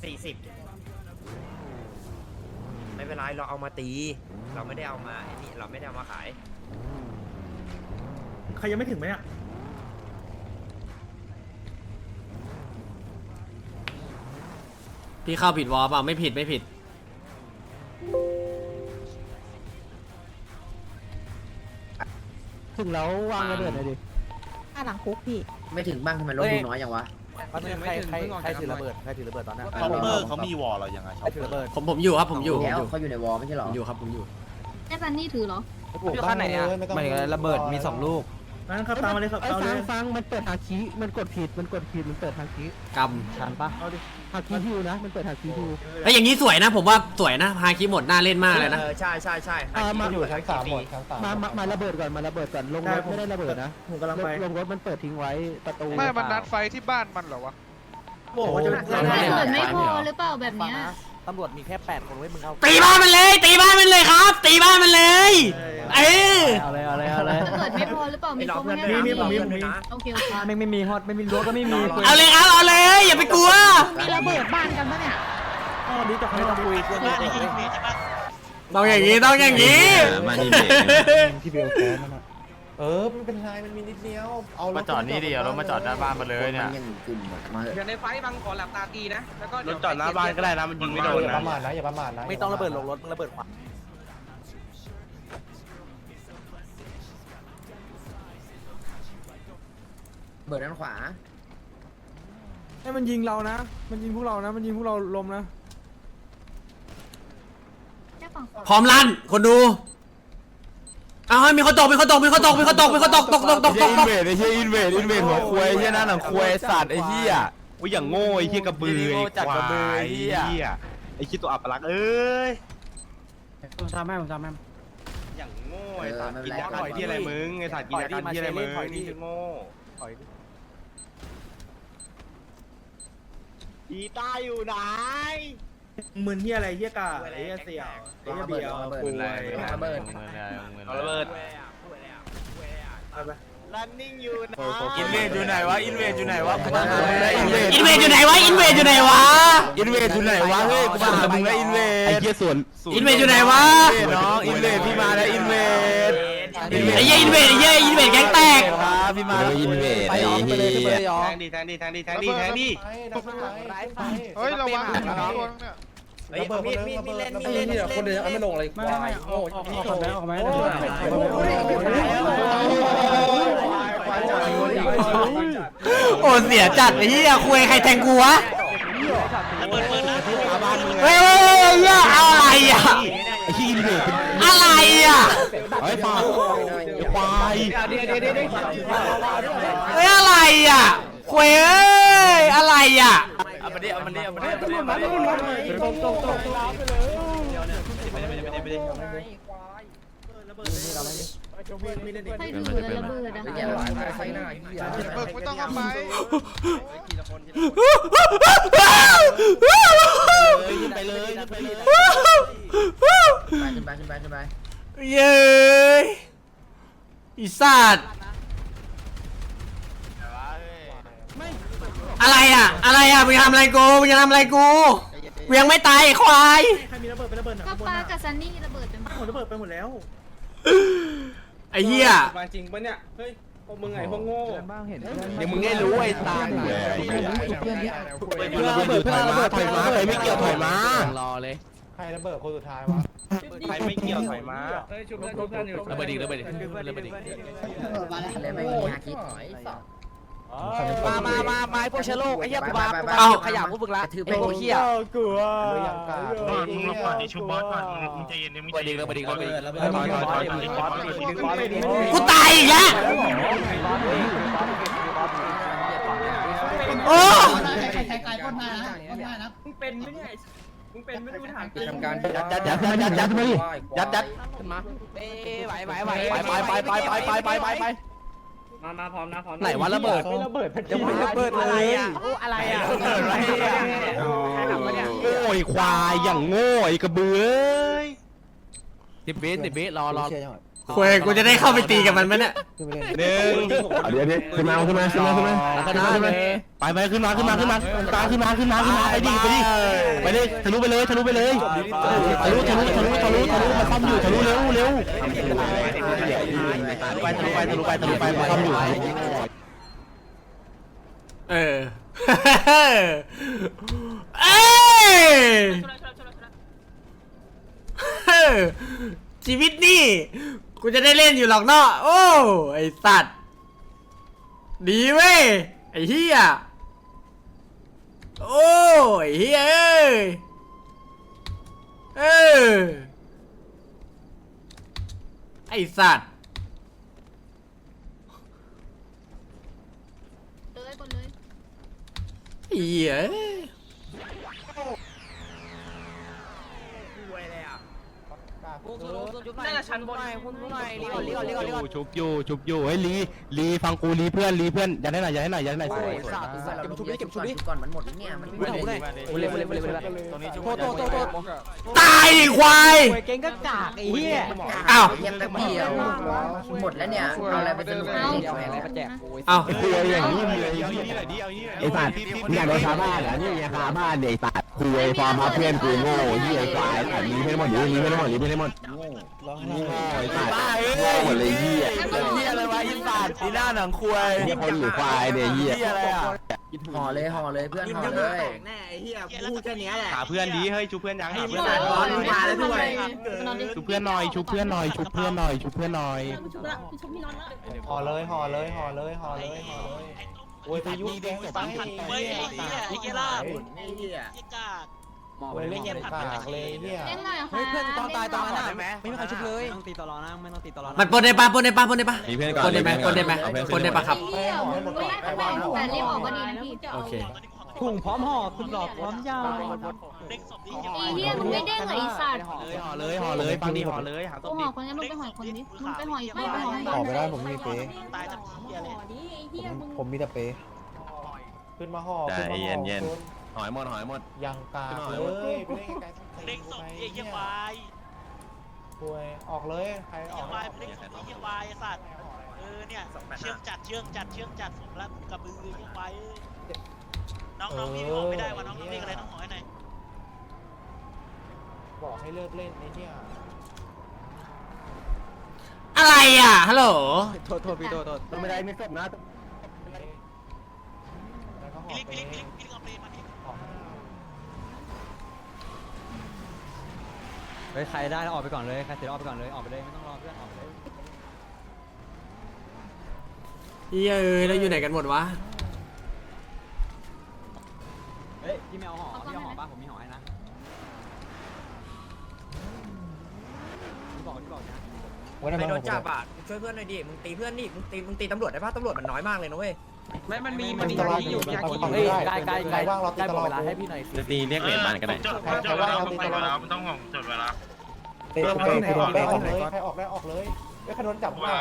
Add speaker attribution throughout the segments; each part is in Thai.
Speaker 1: 40ไม่เป็นไรเราเอามาตีเราไม่ได้เอามาไอ้นี่เราไม่ได้เอามาขาย
Speaker 2: ใครยังไม่ถึงไหมอ่ะ
Speaker 3: พี่เข้าผิดวอลเปล่าไม่ผิดไม่ผิด
Speaker 4: ถึงแล้ววางระเบิดเลยดิ
Speaker 5: หลังคุกพี่
Speaker 6: ไม่ถึงบ้างทำไมรถดูน้อยอย่างวะ
Speaker 4: ใครถือระเบิดตอนนั้น
Speaker 7: คอมเมอร์เขามีวอลเรายังไง
Speaker 4: ใครถือระเบิด
Speaker 3: ผมอยู่ครับผมอยู่
Speaker 6: แล้วเขาอยู่ในวอลไม่ใช่หรอ
Speaker 3: ผมอยู่ครับผมอยู่
Speaker 5: แค่ซันนี่ถือเหรอ
Speaker 4: อยู่ขั้นไหนอ่ะไม่ระเบิดมี2 ลูก
Speaker 2: งั้นขับตามมาเลยขับตามเลย
Speaker 4: ฟังมันเปิดฮาคิมันกดผิดมันเปิดฮาคิ
Speaker 3: ก
Speaker 4: ทันปะเอาดิฮาคิฮิวนะมันเปิดฮาคิฮิว
Speaker 3: ำแล้วอย่างนี้สวยนะผมว่าสวยนะฮาคิหมดน่าเล่นมากเลยนะ
Speaker 1: ใช่
Speaker 4: มาอยู่
Speaker 6: ชั้น3หมดชั้น3
Speaker 4: มาระเบิดก่อนลงรถไม่ได้ระเบิดนะ
Speaker 2: ผมกำลังไป
Speaker 4: ลงรถมันเปิดทิ้งไว้ประตู
Speaker 8: ไม่มันนัดไฟที่บ้านมันเหรอวะ
Speaker 2: โอ้โหจะ
Speaker 5: ระเบิดไม่พอหรือเปล่าแบบเนี้ย
Speaker 4: ตำรวจมีแค่8 คนไว้มึงเอา
Speaker 3: ตีบ้านมันเลยตีบ้านมันเลยครับ ตีบ้านมันเลยเออ
Speaker 4: เอาเลย
Speaker 5: ระเบิดไม่พอหรือเปล่ามี
Speaker 1: เรา
Speaker 5: ครบ
Speaker 1: เพื่อน
Speaker 5: ไหม
Speaker 1: มี
Speaker 5: โอเคโอเค
Speaker 4: ไม่มีฮอตไม่มีรั้วก็ไม่มี
Speaker 3: เอาเลยครับเอาเลยอย่าไปกลัว
Speaker 5: มีระเบิดบ้านกันปะเนี่ย
Speaker 2: อ๋อดีจังไม่ต้องคุย
Speaker 3: ต้องอย่างนี้ต้องอย่างนี้
Speaker 7: มานี่
Speaker 4: ที่เบลแพ้นั่นน่ะ
Speaker 6: มันเป็นไรมันมีนิดเดียวเอา
Speaker 7: มาจอดนี่ดิเอารถมาจอดหน้าบ้านมาเลยเนี่ย
Speaker 6: ยังกลุ่มมา
Speaker 9: เดี๋ยวในไฟบังขอหลับตาตีนะแล้วก็
Speaker 7: รถจอดหน้าบ้านก็ได้นะมันยิงไม่โดนนะ
Speaker 6: อย่าประมาทนะ
Speaker 4: ไม่ต้องระเบิดลงรถมึงระเบิดขวา
Speaker 6: เบิดด้านขวา
Speaker 4: ให้มันยิงเรานะมันยิงพวกเรานะมันยิงพวกเราลมนะ
Speaker 5: แค่ฝั่งขวา
Speaker 3: พร้อมลั่นคนดูเอาให้มีคนตกตกตก
Speaker 7: อินเวดไอ้เหี้ยอินเวดหัวควายไอ้เหี้ยหน้าหนังควายสัตว์ไอ้เหี้ยอุ้ยอย่างโง่ไอ้เหี้ยกระบือไอ้ควายไอ้เหี้ยไอ้คิดตัวอัปลักษณ์เอ้ย
Speaker 4: ผมทำให้
Speaker 7: อย่างโง่ไอ้สัตว์กินยาถอยที่อะไรมึงไอ้สัตว์กินยากันที่อะไรมึงนี่คือโง่อีต้าอยู่ไหน
Speaker 2: มึนที่อะไรเฮียกาไอ้เฮียเสี่ยวไอ้เฮียเบียวคุย
Speaker 6: ระเบิด
Speaker 7: เอาระเบิด
Speaker 2: ไป
Speaker 7: running อยู่นะอินเวดอยู่ไหนวะอินเวดอยู่ไหนวะ
Speaker 3: อินเวดอยู่ไหนวะอินเวดอยู่ไหนวะ
Speaker 7: อินเวดอยู่ไหนวะเฮ้ยกูมาหามึงแล้วอินเวดไอ้เหี้ยส่วน
Speaker 3: อินเวดอยู่ไหนวะ
Speaker 7: น้องอินเวดพี่มาแล้วอินเวด
Speaker 3: ไอ้เหี้ยอินเวดไอ้เหี้ยอินเวดแก๊งแตก
Speaker 7: ครับพี่มาแล้วอินเวด
Speaker 4: ไปออกไปเลยขึ้นไปเลยออก
Speaker 7: แทงดี
Speaker 8: เฮ้ยระวังตัวเนี่ย
Speaker 1: เฮ้ยมีเล่นคนเดียวไม่ลงเลย
Speaker 4: ไม่โอ้ออกมา
Speaker 3: โอ้เสียจัดไอ้เหี้ยคุยใครแทงกูวะเฮ้ยเหี้ยอะไรอ่ะ
Speaker 7: ไอ้ที่อินเวด
Speaker 3: อะไรอ่ะ
Speaker 7: ไอ้ปากควาย
Speaker 3: เฮ้ยอะไรอ่ะคุยเอ้ยอะไรอ่ะ
Speaker 7: เอามาดิเอามาดิเอามาดิ
Speaker 2: ตก
Speaker 5: ใครถือระเบิดอะ
Speaker 6: อย่าหวานไฟหน้า
Speaker 8: เบิกไม่ต้องเอาไป
Speaker 7: ไปเลย
Speaker 6: ขึ้นไป
Speaker 3: เย้ยอีสัตว์อะไรอ่ะอะไรอ่ะมึงทำอะไรกูมึงจะทำอะไรกูกูยังไม่ตายไอ้ควาย
Speaker 2: ใครมีระเบิดไประเบิดหนัก
Speaker 5: ก็ปากับซันนี่ระเบิดเป็น
Speaker 2: หมดระเบิดไปหมดแล้ว
Speaker 3: ไอ้เหี้ย
Speaker 9: มาจริงปะเนี่ยเฮ้ยพวกมึงไงพวกโง่
Speaker 4: บ้างเห็น
Speaker 7: เดี๋ยวมึงได้รู้ไอ้ตา
Speaker 4: เพื่อนที่
Speaker 7: ระเบิดถอยมาใครไม่เกี่ยวถอยมาร
Speaker 4: อเลย
Speaker 6: ใครระเบิดคนสุดท้ายวะ
Speaker 7: ใครไม่เกี่ยวถอยมา
Speaker 9: เฮ้ยชุบเพื่อนอยู่
Speaker 4: ระเบิดอีกระเบิดอีก
Speaker 6: เลยไม่มีฮาคิ
Speaker 9: มาพวกเชื้อโรคไอ้เหี้ยกูมา
Speaker 3: เอา
Speaker 9: ขยะพวกมึงละ
Speaker 6: ถือ
Speaker 9: ไอ้พวกเหี้ย
Speaker 6: กลัวยังกา
Speaker 7: มึงรอก่อนดิชุบบอสก่อนมึงใจเย็นมึงใจเย็น
Speaker 3: กูตายอีกแล้วโอ้
Speaker 9: มึงเป็นไม่ได้มึงเป็นไม่รู้ถามจริง
Speaker 6: ทำการ
Speaker 7: ยัดมาดิยัด
Speaker 9: ขึ้นมาไหวมาพร้อมนะพร้อม
Speaker 4: ไหนวะระเบิดยังไม่ระเบิดเลย
Speaker 9: อะไรอ่ะ
Speaker 7: โง่ควายอย่างโง่ไอ้กระเบือ
Speaker 4: 10 วิรอ
Speaker 3: คุยกูจะได้เข้าไปตีกับมันไหมเนี่ย
Speaker 7: หนึ่ง
Speaker 6: เดี๋ยวขึ้นมาขึ้นมาขึ้นมาขึ้นมาขึ้นมาขึ้นมา
Speaker 7: ไปขึ้นมาขึ้นมาขึ้นมาตาขึ้นมาไปดิไปเลยทะลุไปเลยทะลุไปเลยทะลุมาคอมอยู่ทะลุเร็วไปทะลุไปมาคอมอยู่
Speaker 3: เออเอ้ยชีวิตนี่กูจะได้เล่นอยู่หรอกเนาะโอ้ไอสัตว์ดีเว้ยไอเฮียโอ้ไอเฮียไอสัตว์
Speaker 5: เลยคนเลย
Speaker 3: เฮีย
Speaker 9: น่าจะชั้นบนคุณหน่อยรีก่อน
Speaker 7: ชุบอยู่เฮ้ยลีฟังกูลีเพื่อนอย่าให้หน่อยสวย
Speaker 1: เก็บชุบดิก่อนมันหมดเนี่ยมันไม่ได้
Speaker 3: ตายดิควาย
Speaker 9: เก่งก็กากไอ้เหี้ย
Speaker 3: อ้าว
Speaker 1: เย็นแป๊บเดียวหมดแล้วเนี่ยเอาอะไรไปสนุก
Speaker 9: อะไรมาแจก
Speaker 3: อ้าว
Speaker 6: คุยอย่างนี้เลยไอ้สัตว์มึงอยากโดนคาบ้านเหรอนี่ไงคาบ้านเด็กสัตว์คุยฟอร์มมาเพื่อนกูโง่ยี่ไอ้ควายแต่มีไม่หมดมีไม่หมดไอ้สัตว์โง่หมดเลยยี่
Speaker 3: เฮียอะไรวะอินสัตว์อีหน้าหนังควาย
Speaker 6: ยี่คนหรือควายเนี่ยยี่
Speaker 3: เฮียอะไรอ่ะ
Speaker 1: ห่อเลยเพื่อนห่อเลย
Speaker 2: แน่ไอ้เหี้ยพูดแค่นี้แหละ
Speaker 7: หาเพื่อนดีเฮ้ยชุบเพื่อนยังหาเพื่อน
Speaker 2: มาแล้วด้วย
Speaker 7: ชุบเพื่อนหน่อย
Speaker 6: ห่อเลยโอ้ยพายุแดงไปไอ้เหี้ยล่าไอ้เหี้ยโอ้ยเล่นปากเลยเนี่ย
Speaker 5: เล่นหน่อยค่ะ
Speaker 9: เฮ้ยเพื่อนตอนตายตอนนั้นอ่ะไม่มีใครชุบเลยไม่ต้องตีตลอดนะ
Speaker 3: มันปนได้ปะ
Speaker 7: มีเพื่อนก่อน
Speaker 3: ปนได้ไหมครับ
Speaker 5: เหี้ยมึงไม่แต่รีบออกก็ดีนะพี่
Speaker 3: โอเค
Speaker 9: ถุงพร้อมห่อคุณหลอกพร้อมยาว
Speaker 5: ไอ้เหี้ยมึงไม่เด้งเหรอไอ้สัตว์
Speaker 7: ห่อเลยฟังดีห่อเลยหา
Speaker 5: กูห่อคนนี้มึงไปห่อคนนี้มึงไปห่ออีกไม่ไปห่อ
Speaker 6: ห่อไม่ได้ผมมีเป๊ผมมีแต่เป๊ขึ้นมาห่อขึ้นมาห่อ
Speaker 7: หอยหมด
Speaker 6: ยังกาเลยไปเล่นไกลๆเด้งศพไอ้เหี้ยวายป่วยออกเลยใครออก
Speaker 10: เยี่ยวายไอ้สัตว์เนี่ยเชื่องจัดสมแล้วกระบือเยี่ยวายน้องพี่บอกไม่ได้ว่าน้องเรียกอะไรน้องหอยหน่อย
Speaker 6: บอกให้เลิกเล่นไอ้เนี่ย
Speaker 3: อะไรอ่ะฮัลโหล
Speaker 9: โทษพี่โทษ
Speaker 6: ไม่ได้ไม่ศพนะ
Speaker 10: พี่ลิกเอาเปรย์มาพี่
Speaker 9: เฮ้ยใครได้ออกไปก่อนเลยใครเสร็จออกไปก่อนเลยออกไปเลยไม่ต้องรอเพื่อนออกไปเลย
Speaker 3: เฮียแล้วอยู่ไหนกันหมดวะ
Speaker 9: เฮ้ยพี่แมวห่อพี่เอาห่อป่ะผมมีห่อให้นะพี่บอกนะ
Speaker 1: ไม่โดนจับอ่ะช่วยเพื่อนหน่อยดิมึงตีเพื่อนนี่มึงตีตำรวจได้ป่ะตำรวจมันน้อยมากเลยนะเว้ย
Speaker 9: ไม่มันมี
Speaker 6: ที่อยู่
Speaker 9: เฮ้ยใกล้ว่างเราตีตลอดเวลาให้พี่หน่อย
Speaker 7: จะตีเรียกเหรียญมันก็ได้
Speaker 6: ใครว่างเราตีตลอด
Speaker 10: ต้องห่วงจดเวลา
Speaker 6: เตะคือโดนแป้งออกเลยใครออกได้ออกเลยไม่ใครโดนจับว่า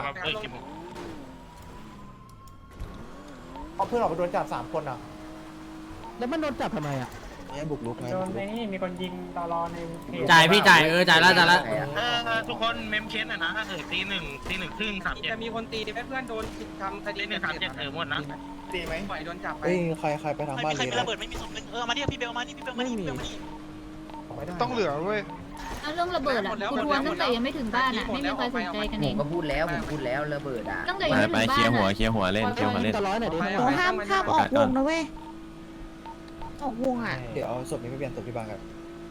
Speaker 6: เอาเพื่อนออกไปโดนจับ3 คนอ่ะ
Speaker 4: แล้วมันโดนจับทำไมอ่ะ
Speaker 6: บุกลุกไง
Speaker 9: มีคนยิงตลอดใน
Speaker 3: จ่ายพี่จ่ายจ่ายแล้ว
Speaker 10: ทุกคนเมมเคสหน่อยนะถ้าเกิดตีหนึ่งครึ่ง37
Speaker 9: จะมีคนตีดิเพื่อนโดนทำคดี
Speaker 10: ตี137หมดนะ
Speaker 6: ตีไหม
Speaker 9: ปล่อยโดนจับไป
Speaker 6: เอ้ยใครไปทางบ้าน
Speaker 10: ใคร
Speaker 6: เลย
Speaker 10: มีระเบิดไม่มีศพมาดิพี่เบลมานี่พี่เบลมานี่
Speaker 8: ต้องเหลือเว้ย
Speaker 5: เอาเรื่องระเบิดอ่ะกูทวนตั้งแต่ยังไม่ถึงบ้านอ่ะไม่มีใครสนใจกัน
Speaker 1: ผ
Speaker 5: เอ
Speaker 1: ม
Speaker 5: ง
Speaker 1: ก็พูดแล้วระเบิดอ่ะ
Speaker 5: ตั้งแต่ยังไม่ถึงบ้าน
Speaker 7: เคลียร์หัวเล่น
Speaker 9: ห้ามออกวงนะเว้ย
Speaker 5: ออกวงอ่ะ
Speaker 6: เดี๋ยวเอาศพนี้ไปเปลี่ยนศพที่บ้านกัน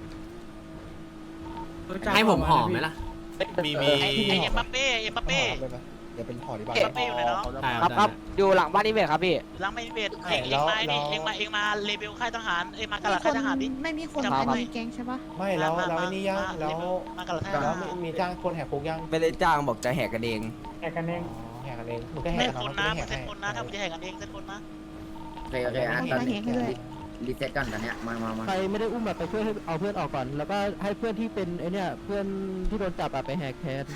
Speaker 3: ให้ผมหอมไหมล่ะ
Speaker 7: มี
Speaker 10: ไอ้เอ็มบัปเป้เ
Speaker 6: เดี๋ยวเป็นห่อที่บ้าน
Speaker 10: อยู่ไหนน้อง
Speaker 9: ครับอยู่หลังบ้านนี่เวทครับพี่
Speaker 10: หลังไม่เบ็ดเองมาเลเบลค่ายทหารมากระหลัดค่ายทหารดิ
Speaker 5: ไม่มีคน
Speaker 10: มี
Speaker 5: แก๊งใช่ปะ
Speaker 6: ไม่แล้วนี่ยังแล้ว
Speaker 10: มากระหลัดค่ายท
Speaker 6: แล้ว
Speaker 10: หาร
Speaker 6: มีจ้างคนแหกคุกยัง
Speaker 2: ไม่ได้จ้างบอกจะแหกกันเอง
Speaker 6: แหกกันเองมึงก็แห
Speaker 10: เส้
Speaker 6: ก
Speaker 10: นคนนะมึงเส้นคนนะถ้ามึงจะแหกกันเองเส้นคนนะ
Speaker 1: โอเคอ่ะตอนนี้รีเซ็ตก่อนตอนเนี้ยมา
Speaker 4: ใครไม่ได้อุ้มแบบไปช่วยให้เอาเพื่อนออกก่อน แล้วก็ให้เพื่อนที่เป็นไอเนี่ยเพื่อนที่โดนจับไปแหกแทน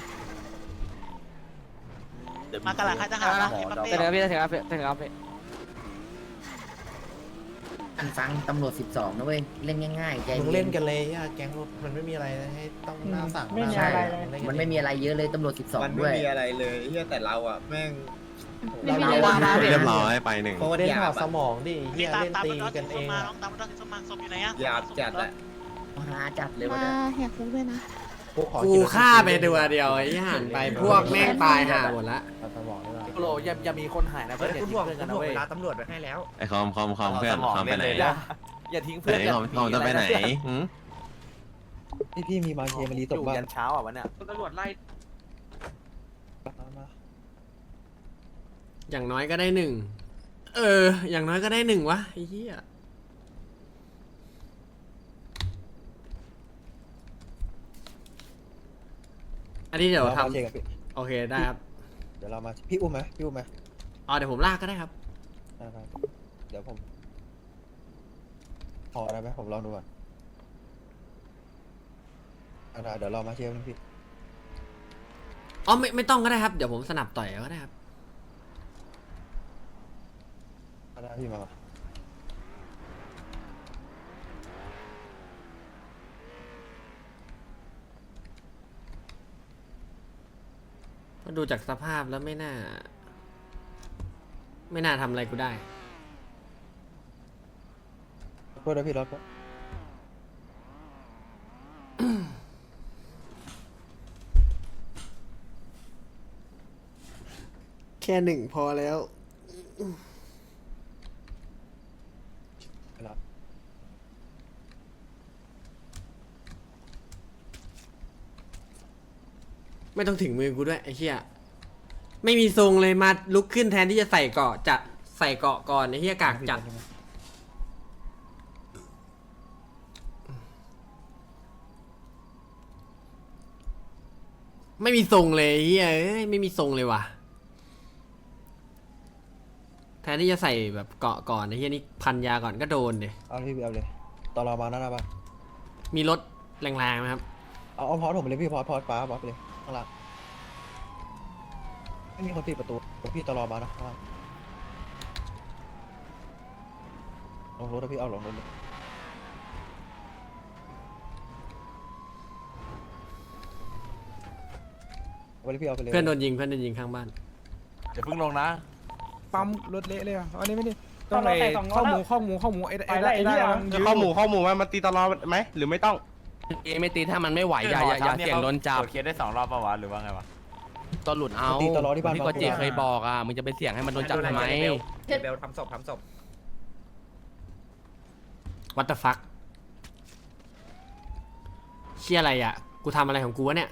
Speaker 10: มากระหลัดค่ายทหารนะเอ็มบัปเป้
Speaker 9: ถึงครับพี่ถึงครับพี่
Speaker 1: อันฟังตำรวจ12นะเว้ยเล่นง่ายๆใจ
Speaker 2: มึงเล่นกันเลยอะแก๊งมันไม่มีอะไรให้ต้องหน้าสั่งไม่มีอะไร
Speaker 1: มันไม่มีอะไรเยอะเลยตำรวจ12ด้วย
Speaker 2: เลยเฮียแต่เราอะแม่ง
Speaker 5: ไม่มีอะไร
Speaker 7: เรียบร้อยไปหนึ่ง
Speaker 2: โคตรเล่นถอดสมองดิเฮี
Speaker 10: นี่
Speaker 2: ย
Speaker 10: ตาม
Speaker 2: เล่น
Speaker 10: ตาม
Speaker 2: ตี
Speaker 10: มัน
Speaker 2: กันเอง
Speaker 10: มาน้องตามมันต้องสมมาศพอยู่ไหนอะ
Speaker 2: หยาบจัดอะ
Speaker 1: มาจัดเลยวัน
Speaker 5: มา
Speaker 1: นี้
Speaker 5: แหกคุกด้วยนะ
Speaker 3: กูฆ่าไปตัวเดียวไอ้ห่านไปพวกแม่งตายห่าหมดละ
Speaker 2: สมองด้วย
Speaker 4: โหลอย่ามีคนหายนะเพื่อนอย่า
Speaker 1: คุณ
Speaker 4: ทิ้
Speaker 1: บ
Speaker 4: ง
Speaker 1: อก
Speaker 4: เพื่อน
Speaker 1: คุ
Speaker 4: กัน
Speaker 1: ณ
Speaker 4: นะ
Speaker 1: บอก
Speaker 4: เว้ย
Speaker 1: เวลาตำรวจไปให้แล้ว
Speaker 7: ไอ้คอมเพื่อนคอมไปไหน
Speaker 4: อย่าทิ้ง
Speaker 7: ไห
Speaker 4: เพื่อน
Speaker 7: นคอมจะไปไหน
Speaker 4: พี่มีมาเกมมารีตกบ้านยันเช้าอ่ะวันเนี้ย
Speaker 10: ตำรวจไล่
Speaker 3: อย่างน้อยก็ได้1อย่างน้อยก็ได้1วะไอ้เหี้ยอันนี้เดี๋ยวทำโอเคได้ครับ
Speaker 4: เดี๋ยวเรามาพี่อุ้มไหมพี่อุ้มไหม
Speaker 3: อ๋อเดี๋ยวผมลากก็ได้ครับ
Speaker 4: เดี๋ยวผมพอได้ไหมผมลองดูก่อนเดี๋ยวรอมาเชียร์พี่
Speaker 3: อ๋อไม่ต้องก็ได้ครับ เดี๋ยวผมสนับต่อยก็ได้ครับ
Speaker 4: ได้พี่มา
Speaker 3: ก็ดูจากสภาพแล้วไม่น่าทำอะไรกูได้
Speaker 4: เพื่อนพี่รถ
Speaker 3: แค่1พอแล้ว ไม่ต้องถึงมือกูด้วยไอ้เหี้ยไม่มีทรงเลยมาลุกขึ้นแทนที่จะใส่เกราะจะใส่เกราะก่อนไอ้เหี้ยกากจัดไม่มีทรงเลยไอ้เหี้ยเอ้ยไม่มีทรงเลยว่ะแทนที่จะใส่แบบเกราะก่อนไอ้เหี้ยนี่พันยาก่อนก็โดนเลย
Speaker 4: เอาพี่เอาเลยตอนเรามาหน้าบ้าน
Speaker 3: มีรถแรงๆไหมครับ
Speaker 4: เอาพอผมเลยพี่พอป้าบอสไปเลยข้างล่างไม่มีคนปิดประตูพี่ตลอมานะข้างล่างลงรถนะพี่เอาลงรถเลยเอาไปเลยพี่เอาไปเลย
Speaker 3: เพื่อนโดนยิงข้างบ้าน
Speaker 7: อย่าเพิ่งลงนะ
Speaker 8: ปั๊มรถเละเลยอ่ะอันนี้ไม่ได้ต้องไปข้อหมูไอ้ข้อหมูข้อหมูมันตีตลอดไหมหรือไม่ต้อง
Speaker 6: ไม่ตีถ้ามันไม่ไหวอย่าเสี่ยงโดนจับ
Speaker 7: เคสได้2 รอบป่าวะหรือว่าไงวะ
Speaker 6: ตอนหลุดเอา
Speaker 4: ตีตลอดที่บ้าน
Speaker 6: พี่ก็เจเคยบอกอ่ะมึงจะไปเสี่ยงให้มันโดนจับทำไม
Speaker 1: เบลทำศพ
Speaker 3: What the fuck เชี่ยอะไรอ่ะกูทำอะไรของกูวะเนี่ย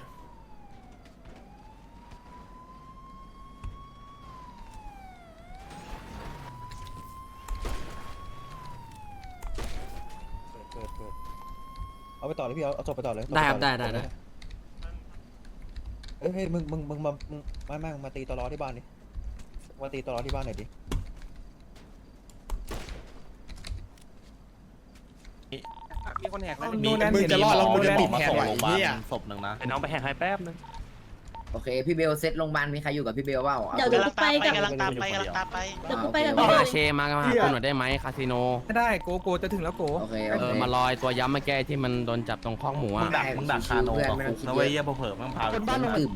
Speaker 4: เอาไปต่อเลยพี่เอาศพไปต่อเลย
Speaker 3: ได้ครับได้
Speaker 4: เฮ้ยมึงมาตีตลอที่บ้านดิมาตีตลอที่บ้านหน่อยดิ
Speaker 8: มีคนแหก
Speaker 2: มึงจะรอดแล้วมึงจะปิดแทนไหวเฮีย
Speaker 7: ศพหนึ่งนะ
Speaker 6: ไอ้น้องไปแหกให้แป๊บนึง
Speaker 1: โอเคพี่เบลเซตโรงพยาบาลมีใครอยู่กับพี่เบลเปล่า
Speaker 5: เดี๋ยวกูไปกับ
Speaker 10: กำลังตามไป
Speaker 5: เดี๋ยวกูไปกับ
Speaker 6: ต่อ
Speaker 5: พี่เบล
Speaker 6: เชมาหาคุณหน่อยได้ไหมคาสิโน
Speaker 8: ไม่ได้โกจะถึงแล้วโก
Speaker 1: โอเค
Speaker 6: มาลอยตัวย้ำมาแก้ที่มันโดนจับตรงข้อกหมูอ่ะ
Speaker 7: มึงดักคาโนกับคุกนะเว้ยเยี่ยเผลอมึงพา
Speaker 1: คนบ้านลงตื่น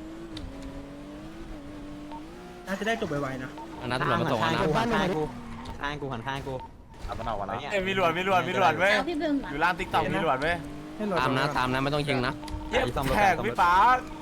Speaker 2: น่าจะได้จบไวๆนะ
Speaker 6: อันนั้นตำรวจมาส่งนะ
Speaker 9: ข้างกูหันข้างกู
Speaker 7: เอาตะหนาวนะมีหลวดเว้ย
Speaker 5: พี่เบล
Speaker 7: อยู่ล่างติ๊กต็อกมีหลวดเว้ย
Speaker 6: ตามนะไม่ต้องยิงนะ
Speaker 7: แขกพี่ป๋า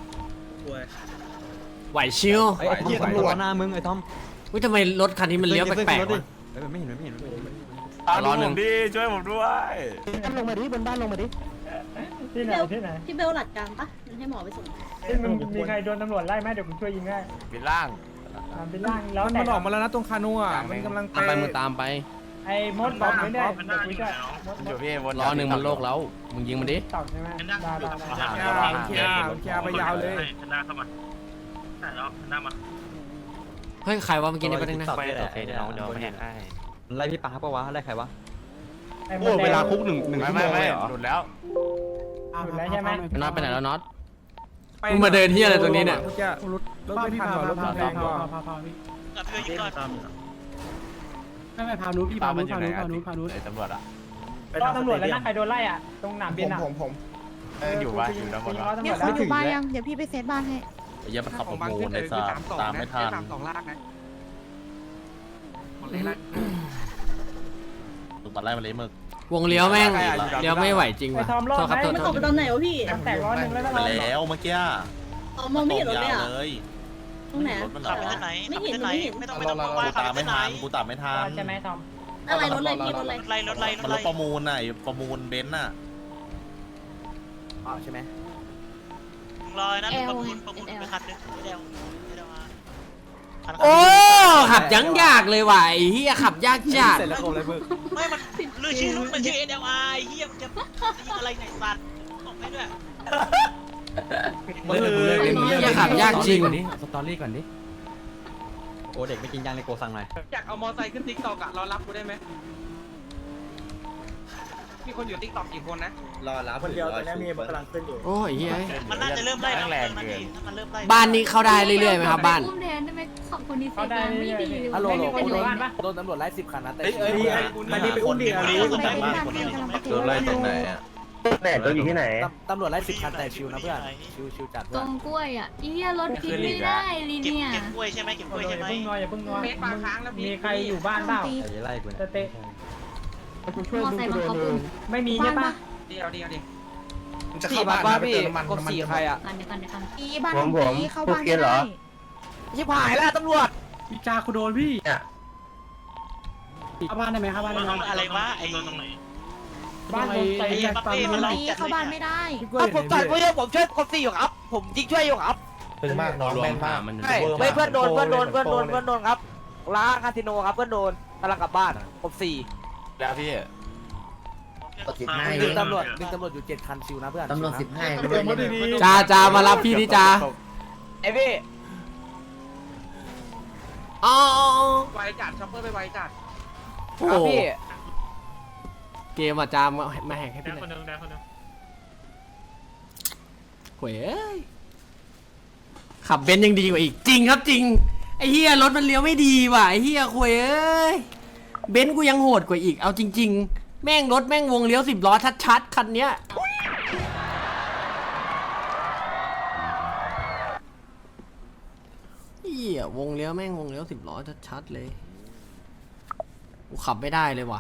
Speaker 3: ไหวชิว
Speaker 9: ไอ้ทอมตำรวจหน้ามึงไอ้ทอม
Speaker 3: วิทำไมรถคันนี้มันเลี้ยวแปลกๆวะ
Speaker 9: ไม่เห็น
Speaker 7: รอหนึ่งดิช่วยผมด้วย
Speaker 4: ลงมาดิบนบ้านลงมาดิ
Speaker 5: พี่เบลพี่เบลหลัดกลางปะมันให้หมอไปส่ง
Speaker 2: มีใครโดนตำรวจไล่ไหมเดี๋ยวผมช่วยยิงได้
Speaker 7: ปิดล่าง
Speaker 2: เป็นล่างแล้ว
Speaker 8: มันออกมาแล้วนะตรงคาโน่อ่ะมันกำลัง
Speaker 6: ไปมึงตามไป
Speaker 2: ไอ้มดบอมไม่ได้เดี๋ยวคุยได้
Speaker 7: อยู่พี่วน
Speaker 6: รอหนึ่งมันโลกแล้วมึงยิงมันดิ
Speaker 2: ตอบใช่ไหม
Speaker 8: เคลียร์ไปยาวเลย
Speaker 3: เฮ้ยใครวะเมื่อกี้ในประเด็นนะ
Speaker 6: โอเคเดี๋ยวน้องเดี๋ยวแหกให้
Speaker 9: ไล่พี่ปาปะวะไล่ใครวะ
Speaker 8: โอ้เวลาคุกหนึ่งชั่วโมงเลยเหรอ
Speaker 7: หลุดแล้ว
Speaker 2: หยุดแล้วใช่ไหม
Speaker 6: น็อตไปไหนแล้วน็อต
Speaker 3: มึงมาเดินที่อะไรตรงนี้เนี่ย
Speaker 8: รถไม่ทันว่ะรถไม่ทันว่ะ
Speaker 10: กับเพื่อนยิงก่อน
Speaker 8: ไม่พานุพี่พานุพานุพานุพานุ
Speaker 7: ไอ้ตำรวจอ่ะ
Speaker 2: รอตำรวจแล้วนะใครโดนไล่อ่ะตรงหนามบินอ่ะผม
Speaker 7: อยู่วะอยู่ตำรวจวะ
Speaker 5: มีคนอยู่บ้านยังเดี๋ยวพี่ไปเซตบ้านให้
Speaker 7: ไอ้เหี้ยมันขับประมูลในซาตามไม่ทัน ถูกบัตรไล่มาเลยมึก
Speaker 3: วงเลี้ยวแม่งเลี้ยวไม่ไหวจริง
Speaker 2: ไอ้
Speaker 3: ว่ะ
Speaker 2: ทอมรอด
Speaker 3: โทษครับ
Speaker 2: ไหม
Speaker 3: โทษ
Speaker 2: มัน
Speaker 3: โท
Speaker 2: ต
Speaker 3: ษ
Speaker 2: กไปตอนไหนวะพี่แตก100แล้ว
Speaker 7: ไปแล้วเมื่อกี้
Speaker 5: มองไม่เห็นรถเลยอ่ะ
Speaker 7: เลย
Speaker 5: ตรงไหน
Speaker 7: รถมัน
Speaker 10: ขับไปที่ไหนขับไปที่ไหนไม่ต้องวาย
Speaker 7: กู
Speaker 10: ขับ
Speaker 7: ตาม
Speaker 10: ไป
Speaker 7: ไม่
Speaker 10: ที่ไหน
Speaker 7: ทันกูตามไม่ทัน
Speaker 2: ใช่ไหมทอม
Speaker 5: อะไรรถอะไรพี่รถอะไร
Speaker 10: รถไล่รถไล่ร
Speaker 7: มัน
Speaker 10: ถ
Speaker 7: ร
Speaker 10: ไล่
Speaker 7: ถประมูลน่ะประมูลเบนซ์น่ะ
Speaker 4: ใช่ไหม
Speaker 10: รอยนะประมูลไปคันนึงไม่ได้มา
Speaker 3: โอ้ขับยังยากเลยว่ะไอ้เหี้ยขับยากจัด
Speaker 10: ไม่มันลือชื่อรุ่นมันชื่อ NLR เฮียมันจะยิงอะไรไหนสัตว์ออกให้ด้วย
Speaker 3: เหี้ยขับยากจริง
Speaker 9: สตอรี่ก่อนดิโอ้เด็กไม่กินยางในโกสั่งหน่อย
Speaker 2: อยากเอามอไซค์ขึ้นติ๊กต็อกอะรอรับกูได้ไหมมีคนอยู่ติ๊กต็อกกี่คนนะรอรับคนเดียวตอนนี้มีกำลังขึ้นอยู่
Speaker 3: โอ้ยเหี้ย
Speaker 10: มันน่าจะเริ่มไล่แรงเกินมันเริ่มไล่
Speaker 3: บ้านนี้เข้าได้เรื่อยๆไหมครับบ้าน
Speaker 5: อุ้มแทนได้ไหมขับคนนี้เสร็จไม่ดีเลย
Speaker 2: ฮัลโหลกูโดนบ้านปะ
Speaker 4: โดนตำรวจไล่10 คันนะแต่
Speaker 2: มันนี่ไปอุ้มดิ
Speaker 7: โดนไล่ตรงไหนอ่ะ
Speaker 6: แม่ตัวอยู่ที่ไหน
Speaker 4: ตำรวจไล่10 คันแต่ชิวนะเพื่อนชิวจัด
Speaker 5: ต
Speaker 4: เพื่
Speaker 5: ร
Speaker 4: อน
Speaker 5: งกล้วยอ่ะอีเหี้ยรถคิดไม่ได้ลี
Speaker 10: เก็บ
Speaker 5: เนี่ย
Speaker 10: เก็บกล้วยใช่ไหมเก็บกล้วยใช่ไหม
Speaker 2: อย่าพึ่งนัวมีใครอยู่บ้านเปล่า
Speaker 9: ไอ้ไล่กู
Speaker 2: จะเตะ
Speaker 5: มอไซค์บังคับอุ้ม
Speaker 2: ไม่มีใช่ปะ
Speaker 8: จะเข้าบ้านพี่กบ4ใครอ่ะ
Speaker 5: กันเดี๋ยวกัน
Speaker 6: อีบ้านผมเข้าบ้านไม่ได้
Speaker 4: ชิบหายแล้วตำรวจ
Speaker 2: พี่จาคุณโดนพี่เข้าบ้านได้ไหมเข้าบ้านได้ไหม
Speaker 10: อะไรวะไอ้
Speaker 2: บ้านผมใส่แบตเตอรี่อะไร
Speaker 5: เข้าบ้านไม่ได้
Speaker 4: ผมต่อยกูเยอะผมช่วยกบ4อยู่ครับผมยิงช่วยอยู่ครับ
Speaker 6: เป็นมากน้องแม่นมาก
Speaker 4: ไม่เพื่อนโดนครับร้านคาสิโนครับเพื่อนโดนกำลังกลับบ้านกบ4
Speaker 7: แล้วพี่
Speaker 4: ดึงตำรวจอยู่7 คันชิวนะเพื่อนตำรวจ15
Speaker 3: จ้ามารับพี่ดิจ้า
Speaker 4: ไอพี่
Speaker 3: อ๋อ
Speaker 2: ไวจัดช็อปเปอร์ไปไวจัด
Speaker 3: โอ้โหเกมอ่ะจ้ามาแหกให้พี่หน่อยโว้ยขับเบนซ์ยังดีกว่าอีกจริงครับจริงไอ้เฮียรถมันเลี้ยวไม่ดีว่ะไอ้เฮียโว้ยเบนซ์กูยังโหดกว่าอีกเอาจริงๆแม่งรถแม่งวงเลี้ยว10 ล้อชัดๆคันเนี้ยเฮียวงเลี้ยวแม่งวงเลี้ยว10 ล้อชัดๆเลยกูขับไม่ได้เลยว่ะ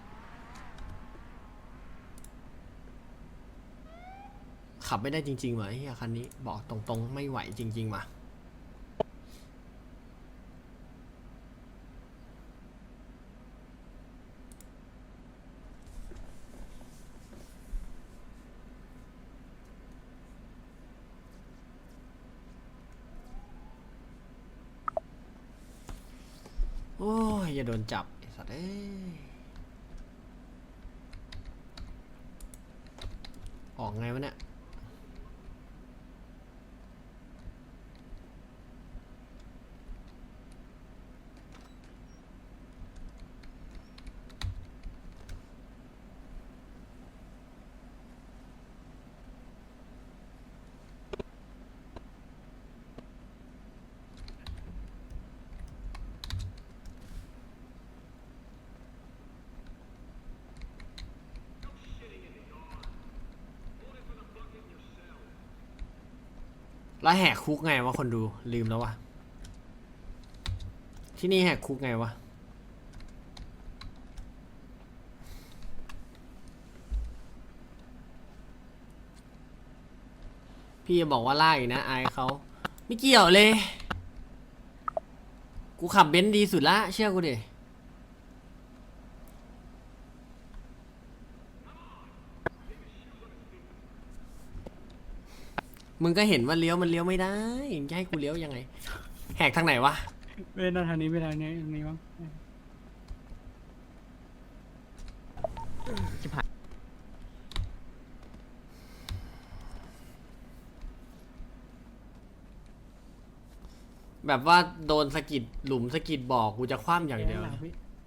Speaker 3: ขับไม่ได้จริงๆว่ะไอ้เฮียคันนี้บอกตรงๆไม่ไหวจริงๆว่ะโอ้ยอย่าโดนจับไอ้สัตว์เอ้ยออกไงวะเนี่ยแล้วแหกคุกไงวะคนดูลืมแล้ววะที่นี่แหกคุกไงวะพี่จะบอกว่าล่าอีกนะอายเขาไม่เกี่ยวเลยกูขับเบนซ์ดีสุดละเชื่อกูดิมึงก็เห็นว่าเลี้ยวมันเลี้ยวไม่ได้จะให้กูเลี้ยวยังไงแหกทางไหนวะ
Speaker 8: เว้ยทางนี้ทางนี้มั้ง
Speaker 3: แบบว่าโดนสะกิดหลุมสะกิดบอกกูจะคว่ำอย่างเดียวนะ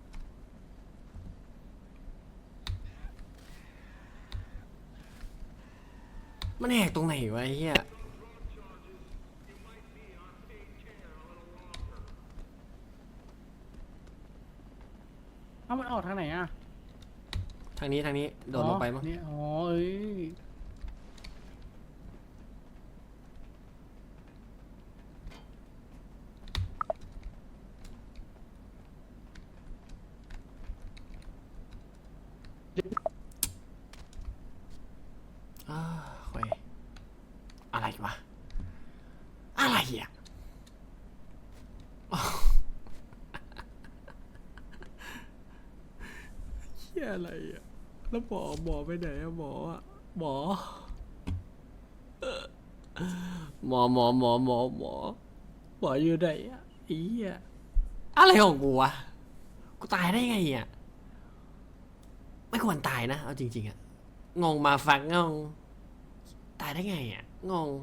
Speaker 3: มันแหกตรงไหนวะไอ้เหี้ยางนี้โดดลงไปมั้ง
Speaker 8: นี่อ๋อเอ้ย
Speaker 3: เว้ยอะไรวะอะไรอ่ะเฮียอะไรอ่ะแล้วหมอไปไหนอะหมออะหมออยู่ไหนอะไอ้เหี้ยอะไรของกูวะกูตายได้ไงอ่ะไม่ควรตายนะเอาจริงๆอะงงมาฟังงงตายได้ไงอ่ะงง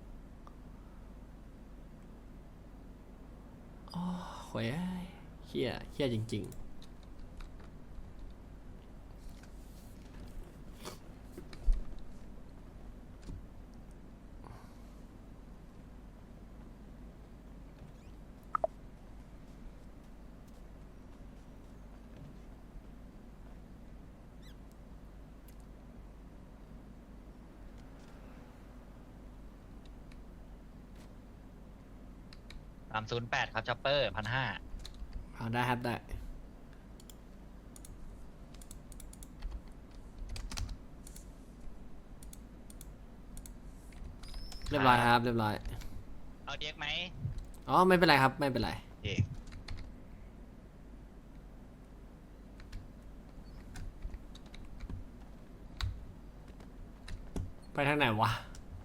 Speaker 3: โอ้โหยเฮี้ยจริงๆ
Speaker 10: 308ครับจ็อปเปอร์1,500
Speaker 3: เอาได้ครับได้เรียบร้อยครับเรียบร้อย
Speaker 10: เอาเด็กไหม
Speaker 3: อ๋อไม่เป็นไรครับไม่เป็นไร
Speaker 10: เด็ก
Speaker 3: ไปทางไหนวะ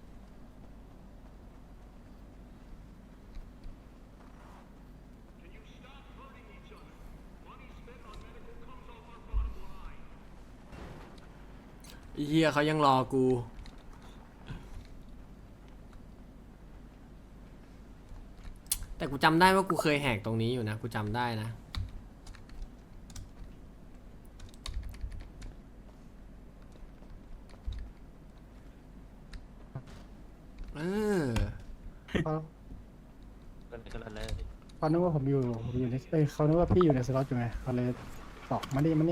Speaker 3: ไอ้เฮียเขายังรอกู แต่กูจำได้ว่ากูเคยแหกตรงนี้อยู่นะกูจำได้นะ
Speaker 8: เขานึกว่าผมอยู่ในเขานึกว่าพี่อยู่ในสล็อตอยู่ไงเขาเลยบอกมานี่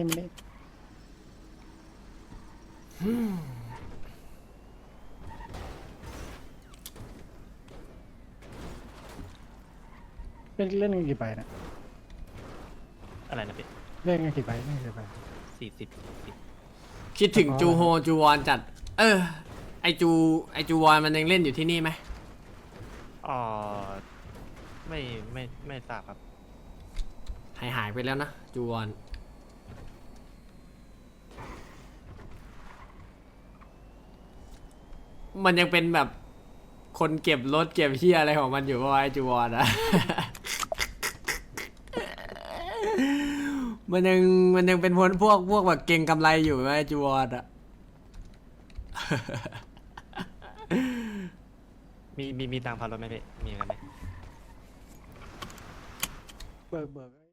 Speaker 8: เล่นกันกี่ใบนะ
Speaker 10: อะไรนะพี่
Speaker 8: เล่นกันกี่ใบ
Speaker 10: 40
Speaker 3: คิดถึงจูโฮจูวอนจัดไอจูวอนมันยังเล่นอยู่ที่นี่ไหม
Speaker 10: อ๋อไม่ทราบครับ
Speaker 3: หายไปแล้วนะจูวอนมันยังเป็นแบบคนเก็บรถเก็บเฮียอะไรของมันอยู่ว่าไอจูวอนอะ มันยังเป็นพวกแบบเก่งกำไรอยู่ไหมไอจูวอนอะ
Speaker 10: มีตังค์พารถไหมพี่มีกันไหม
Speaker 8: เบิก